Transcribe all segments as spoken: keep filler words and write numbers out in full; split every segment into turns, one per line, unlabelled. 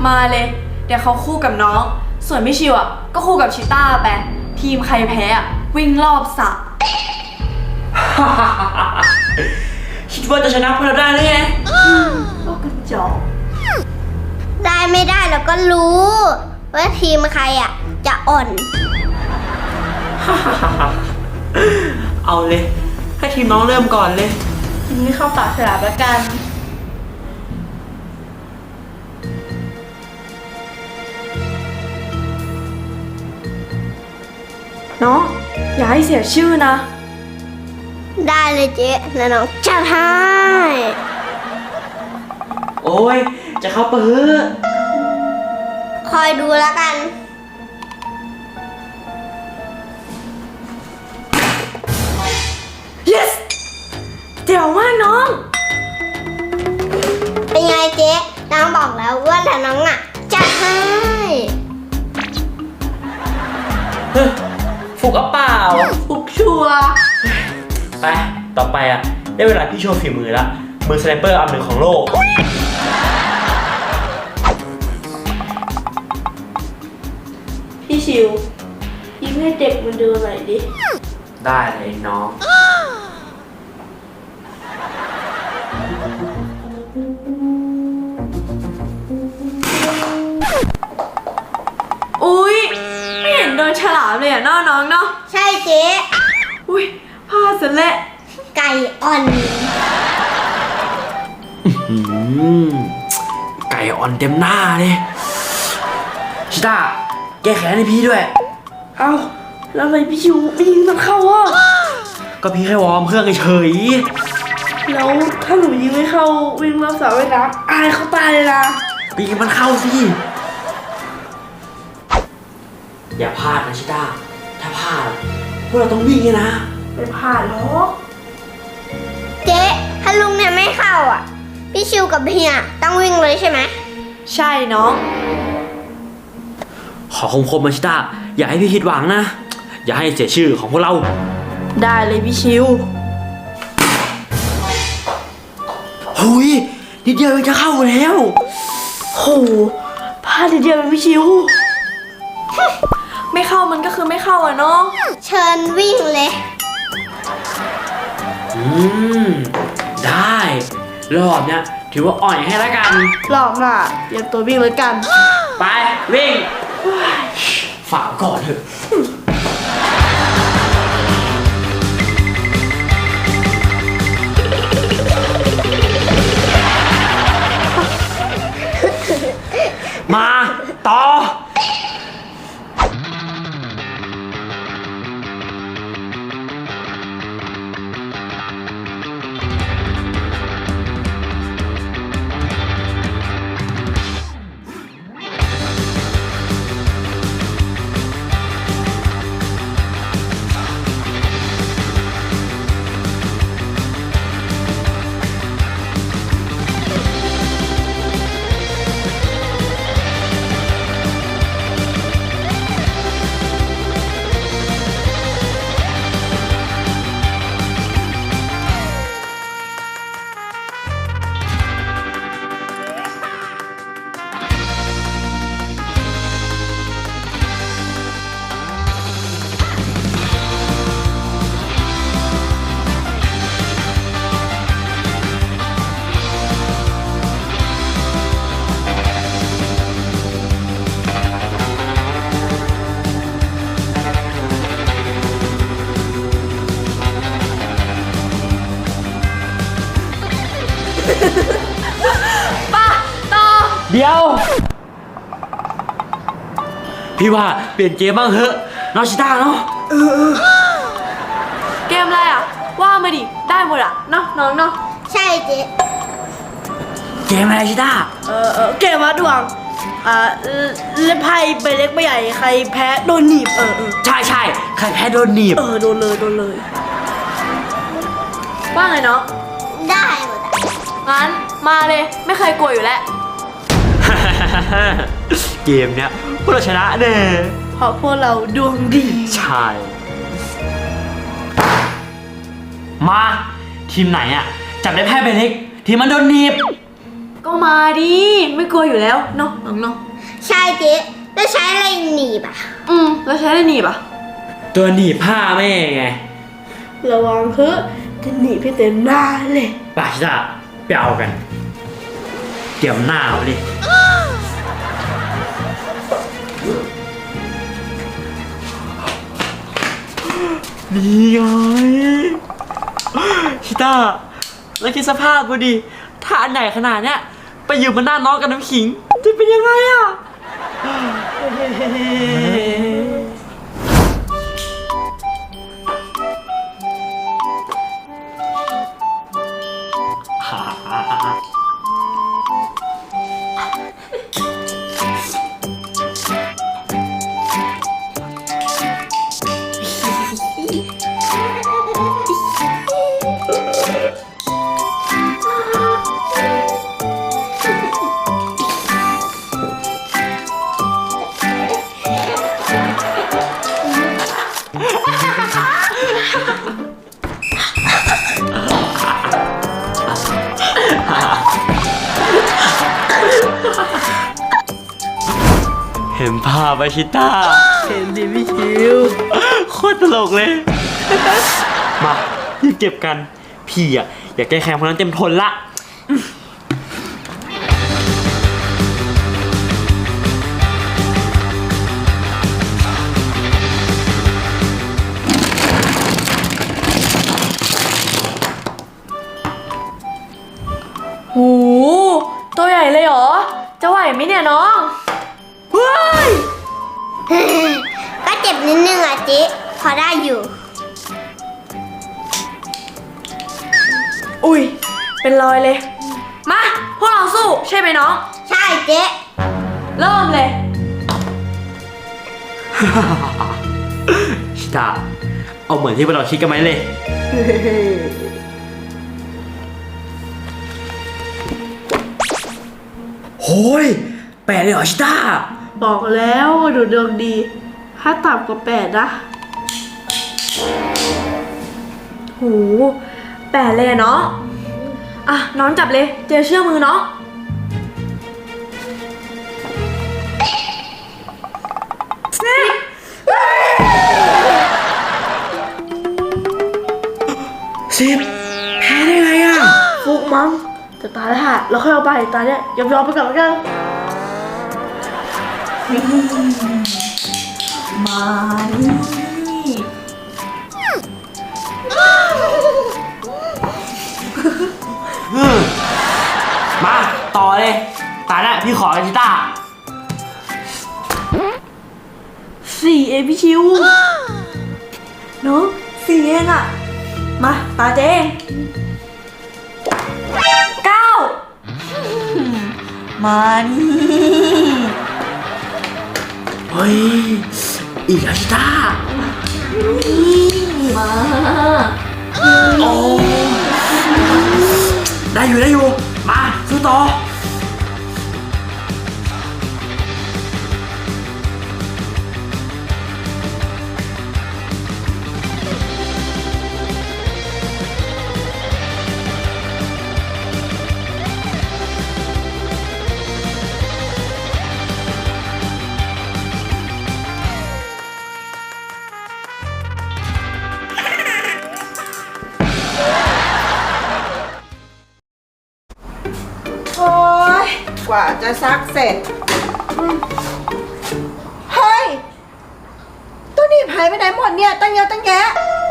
มาเลยเดี๋ยวเขาคู่กับน้องส่วนพี่ชิวอ่ะก็คู่กับชิต้าไปทีมใครแพ้อ่ะวิ่งรอบสระ
คิดว่าจะชนะพวกเราได้หรือไง
ก็กระจอก
ได้ไม่ได้เราก็รู้ว่าทีมใครอ่ะจะอ่อน
เอาเลยให้ทีมน้องเริ่มก่อนเลย
ทีนี้เข้าปากฉลามละกันน้องอย่าให้เสียชื่อนะ
ได้เลยเจ๊แล้วน้องจะให้
โอ้ยจะเข้าเปิด
คอยดูแล้วกัน
yes เจ๋วมากน้อง
เป็นไงเจ๊น้องบอกแล้วว่าแต่น้องอ่ะจะให้
เฮ้ยฟุกเอาเปล่า
ฟุกชัวร์
ไปต่อไปอ่ะได้เวลาพี่โชว์ฝีมือละมือสไนเปอร์อันหนึ่งของโลก
พี่ชิวยิ้มให้เด็กมันดูหน่อยดิ
ได้เลยน้อง
อุ้ยไม่เห็นโดนฉลามเลยอ่ะน้องน้องเนาะ
ใช่เจ๊
อุ้ยพลาดซะแล้ว
ไก่อ่อน
อืมไก่อ่อนเต็มหน้าเลยชิต้าแก้แค้นให้พี่ด้วย
เอ้าแล้วทำไมพี่ชิวไม่ยิงมันเข้าอ่ะ
ก็พี่แค่วอร์มเครื่องเฉย
แล้วถ้าหนูยิงไม่เข้าวิ่งรอบสระว่ายน้ำอายเขาตายเลยนะ
ๆปีมันเข้าสิอย่าพลาดนะชิต้าถ้าพลาดพวกเราต้องวิ่งเลยนะ
ไม่ผ่านหรอก
เจ๊ถ้าลุงเนี่ยไม่เข้าอ่ะ พี่ชิวกับเฮียต้องวิ่งเลยใช่ไหม
ใช่น้อง
ขอคมคมมาชิต้าอย่าให้พี่คิดหวังนะ อย่าให้เสียชื่อของพวกเรา
ได้เลยพี่ชิว
หุยนิดเดียวมันจะเข้าแล้ว
โหพลาดทีเดียวเลยพี่ชิว ไม่เข้ามันก็คือไม่เข้าอ่ะเนาะ
เชิญวิ่งเลย
อืมได้รอบเนี้ยถือว่าอ่อยให้แล้วกัน
หลอกน่ะเตรียมตัววิ่งเลยกัน
ไปวิ่งฝากก่อนเถอะ มาต่อ
ป่ะต่อ
เดี๋ยว พี่ว่าเปลี่ยนเกมบ้างเถอะน้องชิต้าเนาะ
เกมอะไรอ่ะ ว่ามาดิ ได้หมดอ่ะ เนาะน้องเนาะ
ใช่เจ๊
เกมอะไรชิต้า
เออเออเกมวัดดวง อ่าเล่นไพ่ใบเล็กใบใหญ่ใครแพ้โดนหนีบ เออเออ
ใช่ใช่ใครแพ้โดนหนีบ
เออโดนเลยโดนเลย ว่าไงเนาะ
ได้หมดอะ
งั้นมาเลยไม่เคยกลัวอยู่แล้ว
เกมเนี้ยพวกเราชนะแน่
เพราะพวกเราดวงดี
ใช่ มาทีมไหนอ่ะจับได้แพ้ไปเล็กทีมมันโดนหนีบ
ก็มาดิไม่กลัวอยู่แล้วเนาะน้องเนาะ
ใช่เจ๊แล้วใช้อะไรหนีบอ่ะ
อืมแล้วใช้ได้หนีบอ่ะ
ตัวหนีบผ้าแม่ไง
ระวังเถอะจะหนีพี่เต็มหน้าเลย
ไปชิต้าไปเอากันเกี่ยวหน้าเอาดินี่ไงชิต้าแล้วคิดสภาพกูดิถ้าอันไหนขนาดเนี้ยไปอยู่บนหน้าน้องกับน้ำขิงจะเป็นยังไงอ่ะ เห็นภาพไหมชิต้า
เห็นดิพี่ชิว
โคตรตลกเลย มารีบเก็บกัน พี่อ่ะ อยากแก้แค้นคนนั้นเต็มทนละ
หูตัวใหญ่เลยเหรอจะไหวไหมเนี่ยน้องเฮ้ย
ก็เจ็บนิดนึงอ่ะเจ๊พอได้อยู่
อุ้ยเป็นรอยเลยมาพวกเราสู้ใช่ไหมน้อง
ใช่เจ๊
เริ่มเลย
ชิต้าเอาเหมือนที่พวกเราคิดกันไหมเลย โฮ้ยแปดเลยเหรอชิต้า
บอกแล้วว่าดูดวงดี ถ้าต่ำกว่าแปดนะ
หูแปดเลยอะน้องอ่ะน้องจับเลยเจอเชือกมือน้องสิบ
สิบแพ้ได้ไงอ่ะ
ฟุกมั้งแต่ตาได้หะเราค่อยเอาไปตาเนี่ยยอมยอมๆไปก่อนแล้วกัน
มานี่
มาต่อเลยตาเนี่ยพี่ขอชิต้า
สี่เองพี่ชิวเนาะสี่เองอะมาตาเจงเก้ามานี่
เฮ้ย อีกแล้วชิต้า
มา
โอ้ได้อยู่ได้อยู่ มาสู้ต่อ
โอ๊ยกว่าจะซักเสร็จอืมเฮ้ยตัวหนีบหายไปไหนหมดเนี่ย ตั้งเยอะตั้งแยะ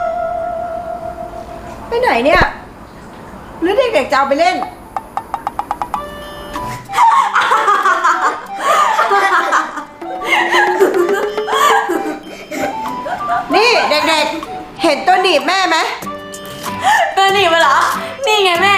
ไปไหนเนี่ย หรือเด็กๆจะเอาไปเล่น นี่เด็กๆ เห็นตัวหนีบแม่ไหม
เออหนีมาเหรอ นี่ไงแม่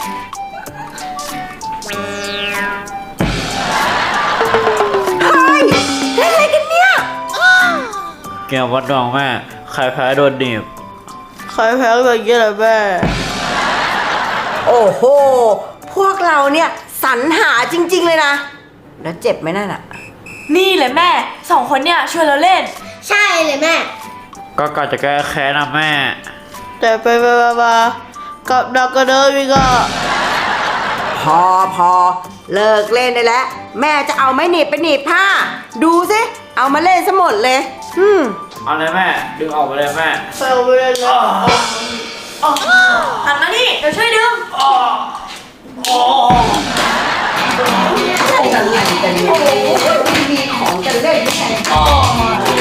เฮ้ยเล่นอะไรกันเนี่ย
เกมวัดดองแม่ ใครแพ้โดนหนีบ
ใครแพ้ก็อย่างเงี้ยแหละแม่
โอ้โห พวกเราเนี่ยสรรหาจริง ๆ เลยนะ แล้วเจ็บไหมนั่นอะ
นี่เลยแม่สองคนเนี่ยชวนเราเล่น
ใช่เลยแม่
ก็กะจะแก้แค้นนะแม่
แต่ไปไปมาๆกับดักกระเดินอีกอ่ะ
พ
อพอเลิกเล่นได้แล้ว แม่จะเอาไม้หนีบไปหนีบผ้า ดูสิเอามาเล่นซะหมดเลยอืม
เอาเลยแม่ ดึงออกไปเลยแม่
เซลไปเลยเลย
หันมานี่เดี๋ยวช่วยดึง
อะไรกันเนี่ยโอ้โหมีของจะเล่นแค่